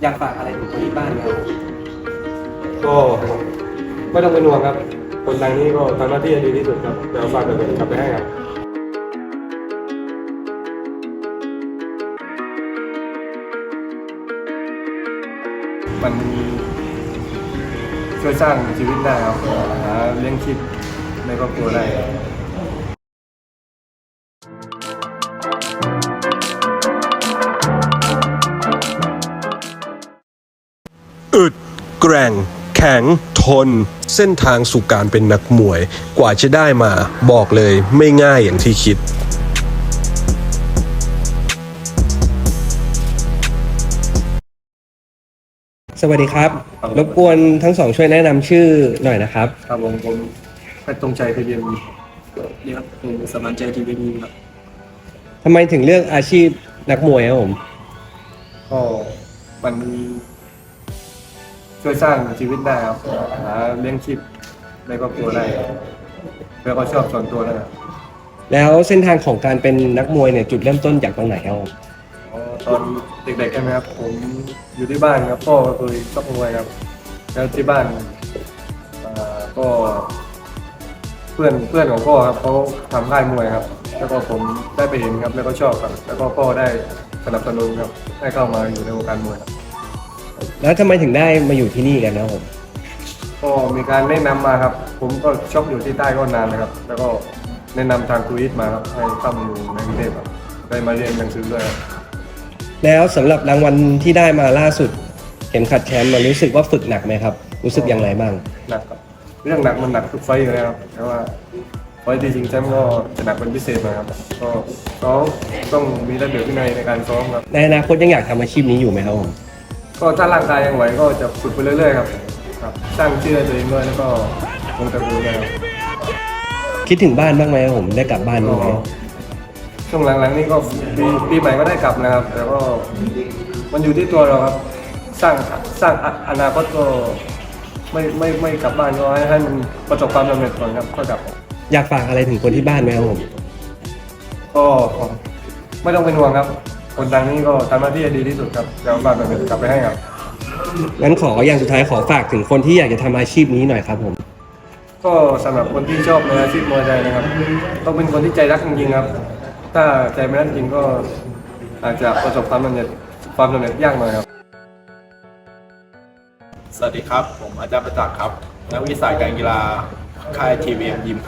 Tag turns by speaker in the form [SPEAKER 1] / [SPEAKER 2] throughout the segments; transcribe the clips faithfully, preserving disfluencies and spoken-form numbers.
[SPEAKER 1] อยากฝากอะไรถึงคนที่บ้านไหมครับ
[SPEAKER 2] ก็ไม่ต้องเป็นห่วงครับคนดังนี้ก็ทำหน้าที่ดีที่สุดครับเดี๋ยวฝากเดี๋ยวกลับไปให้ครับมันช่วยสร้างชีวิตได้ครับหาเลี้ยงชีพในครอบครัวได้
[SPEAKER 3] อึดแกร่งแข็งทนเส้นทางสู่การเป็นนักมวยกว่าจะได้มาบอกเลยไม่ง่ายอย่างที่คิด
[SPEAKER 1] สวัสดีครับรบกวนทั้งสองช่วยแนะนำชื่อหน่อยนะครับ
[SPEAKER 2] ครับผมผมเพชรธงชัยเพชรเย็น
[SPEAKER 4] นี่ครับผมสมานใจทีวีดีครับ
[SPEAKER 1] ทำไมถึงเลือกอาชีพนักมวยครับผม
[SPEAKER 2] ก็มันช่วยสร้างชีวิตได้ครับหาเลี้ยงชีพในครอบครัวได้แล้วก็ชอบส่วนตัวนะครับ
[SPEAKER 1] แล้วเส้นทางของการเป็นนักมวยเนี่ยจุดเริ่มต้นจากตรงไหนครับผม
[SPEAKER 2] อ๋อตอนเด็กๆใช่ไหมครับผมอยู่ที่บ้านครับพ่อเคยชอบมวยครับแล้วที่บ้านอ่าก็เพื่อนเพื่อนของพ่อครับเขาทำค่ายมวยครับ แล้วก็ผมได้ไปเห็นครับแล้วก็ชอบครับแล้วก็พ่อได้สนับสนุนครับให้เข้ามาอยู่ในวงการมวยครับ
[SPEAKER 1] แล้วทำไมถึงได้มาอยู่ที่นี่กันนะครับผม
[SPEAKER 2] ก็มีการแนะนำมาครับ ผมก็ชอบอยู่ที่ใต้ก็นานนะครับ แล้วก็แนะนำทางครูอิทมาครับให้เข้ามาอยู่ในกรุงเทพครับได้มาเรียนหนังสือด้วยครับ
[SPEAKER 1] แล้วสำหรับรางวัลที่ได้มาล่าสุดเข็มขัดแชมป์มันรู้สึกว่าฝึกหนักไหมครับรู้สึกอย่างไรบ้าง
[SPEAKER 2] หนักครับเรื่องหนักมันหนักทุกไฟต์อยู่แล้วครับแต่ว่าไฟต์ที่จริงแชมป์ก็จะหนักเป็นพิเศษหน่อยครับก็ซ้อมต้องมีระเบียบวินัยในการซ้อมครับ
[SPEAKER 1] ในอนาคตยังอยากทำอาชีพนี้อยู่ไหมครับผม
[SPEAKER 2] ก็ถ้าร่างกายยังไหวก็จะฝึกไปเรื่อยๆครับครับสร้างชื่อให้ตัวเองด้วยแล้วก็วงตระกูลด้วยครับ
[SPEAKER 1] คิดถึงบ้านบ้างไหมครับผมได้กลับบ้านบ้างไหม
[SPEAKER 2] ช่วงหลังๆนี่ก็ปีปีใหม่ก็ได้กลับนะครับ แต่ก็มันอยู่ที่ตัวเราครับ สร้างสร้างอนาคตก็ไม่ไม่ไม่กลับบ้านก็ให้ให้มันประสบความสำเร็จก่อนครับก็กลับ
[SPEAKER 1] อยากฝากอะไรถึงคนที่บ้านไหมครับผม
[SPEAKER 2] ก็ไม่ต้องเป็นห่วงครับ คนดังนี้ก็ทำหน้าที่ดีที่สุดครับเดี๋ยวฝากแบบกลับไปให้ครับ
[SPEAKER 1] งั้นขออย่างสุดท้ายขอฝากถึงคนที่อยากจะทำอาชีพนี้หน่อยครับผม
[SPEAKER 2] ก็สำหรับคนที่ชอบในอาชีพมวยไทยนะครับ ต้องเป็นคนที่ใจรักจริงๆครับ ถ้าใจไม่รักจริงก็อาจจะประสบความสำเร็จความสำเร็จยากหน่อยครับ
[SPEAKER 4] สวัสดีครับผมอาจารย์ประจักษ์ครับนักวิชาการกีฬาค่ายทีวีเอ็มยิมครับ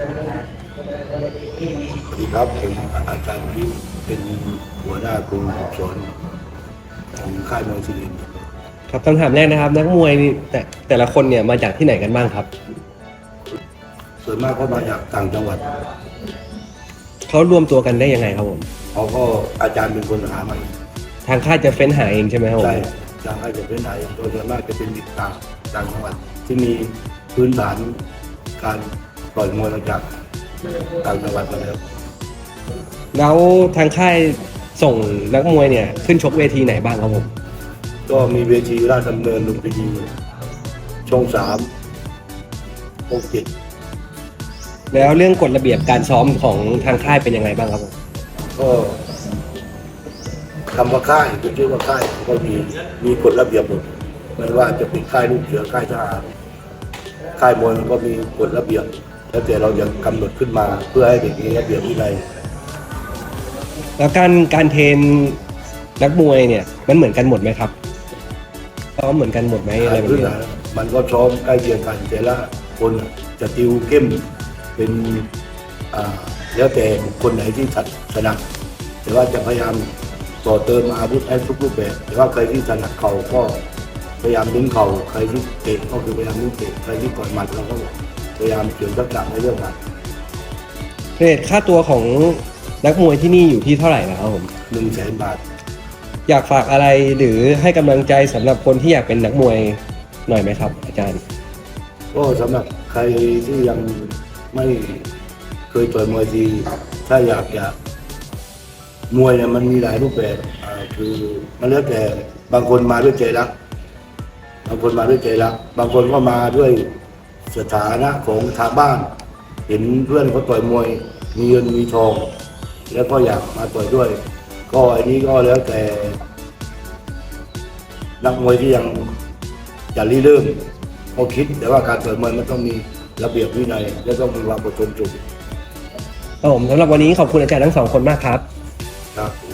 [SPEAKER 5] สวัสดีครับผมอาจารย์วิทย์เป็นหัวหน้ากลุ่มสอนของค่ายมวยสุรินทร์
[SPEAKER 1] ครับคำถามแรกนะครับ นักมวยนี่แต่แต่ละคนเนี่ยมาจากที่ไหนกันบ้างครับ
[SPEAKER 5] ส่วนมากก็มาจากต่างจังหวัด
[SPEAKER 1] เขารวมตัวกันได้ยังไงครับผม
[SPEAKER 5] เขาก็อาจารย์เป็นคนหามาเอง
[SPEAKER 1] ทางค่ายจะเฟ้นหาเองใช่ไหมครับผม
[SPEAKER 5] ใช่ทางค่ายจะเป็นไหนโดยส่วนมากจะเป็นเด็กต่างต่างจังหวัดที่มีพื้นฐานการต่อยมวยมาจากต่างจังหวัดมาแล้ว
[SPEAKER 1] แล้วทางค่ายส่งนักมวยเนี่ยขึ้นชกเวทีไหนบ้างครับผม
[SPEAKER 5] ก็มีเวทีราชดำเนินลุมพินีช่องสามช่องเจ็ด
[SPEAKER 1] แล้วเรื่องกฎระเบียบการซ้อมของทางค่ายเป็นยังไงบ้างครับผม
[SPEAKER 5] ก็คำว่าค่ายเป็นชื่อว่าค่ายก็มีมีกฎระเบียบหมดไม่ว่าจะเป็นค่ายลูกเสือค่ายทหารค่ายมวยมันก็มีกฎระเบียบแล้วแต่เรายังกำหนดขึ้นมาเพื่อให้เด็กมีระเบียบวินัย
[SPEAKER 1] แล้วการการเทรนนักมวยเนี่ยมันเหมือนกันหมดไหมครับซ้อมเหมือนกันหมดไหมอะไรแบบ
[SPEAKER 5] พื้น
[SPEAKER 1] นี้
[SPEAKER 5] ฐานมันก็ซ้อมใกล้เคียงกันแต่ละคนจะติวเข้มเป็นอ่าแล้วแต่คนไหนที่ถนัดแต่ว่าจะพยายามต่อเติมอาวุธให้ทุกรูปแบบแต่ว่าใครที่ถนัดเข่าก็พยายามดึงเข่าใครที่เตะก็คือพยายามดึงเตะใครที่ต่อยหมัดเราก็พยายามเสริมทักษะในเรื่องหมัด
[SPEAKER 1] เรทค่าตัวของนักมวยที่นี่อยู่ที่เท่าไหร่นะครับผม
[SPEAKER 5] หนึ่งแสนบาท
[SPEAKER 1] อยากฝากอะไรหรือให้กำลังใจสำหรับคนที่อยากเป็นนักมวยหน่อยไหมครับ อาจารย์
[SPEAKER 5] ก็สำหรับใครที่ยังไม่เคยต่อยมวยทีถ้าอยากจะมวยเนี่ยมันมีหลายรูปแบบอ่าคือมันแล้วแต่บางคนมาด้วยใจรักบางคนมาด้วยใจรักบางคนก็มาด้วยสถานะของทางบ้าน เห็นเพื่อนเขาต่อยมวยมีเงินมีทอง แล้วก็อยากมาต่อยด้วย ก็อันนี้ก็แล้วแต่นักมวยที่ยังจะรีเริ่มเขาคิด แต่ว่าการต่อยมวยมันต้องมีระเบียบวินัยและต้องมีความอดทนสูง
[SPEAKER 1] ครับผมสำหรับวันนี้ขอบคุณอาจารย์ทั้งสองคนมากครับ
[SPEAKER 5] ครับ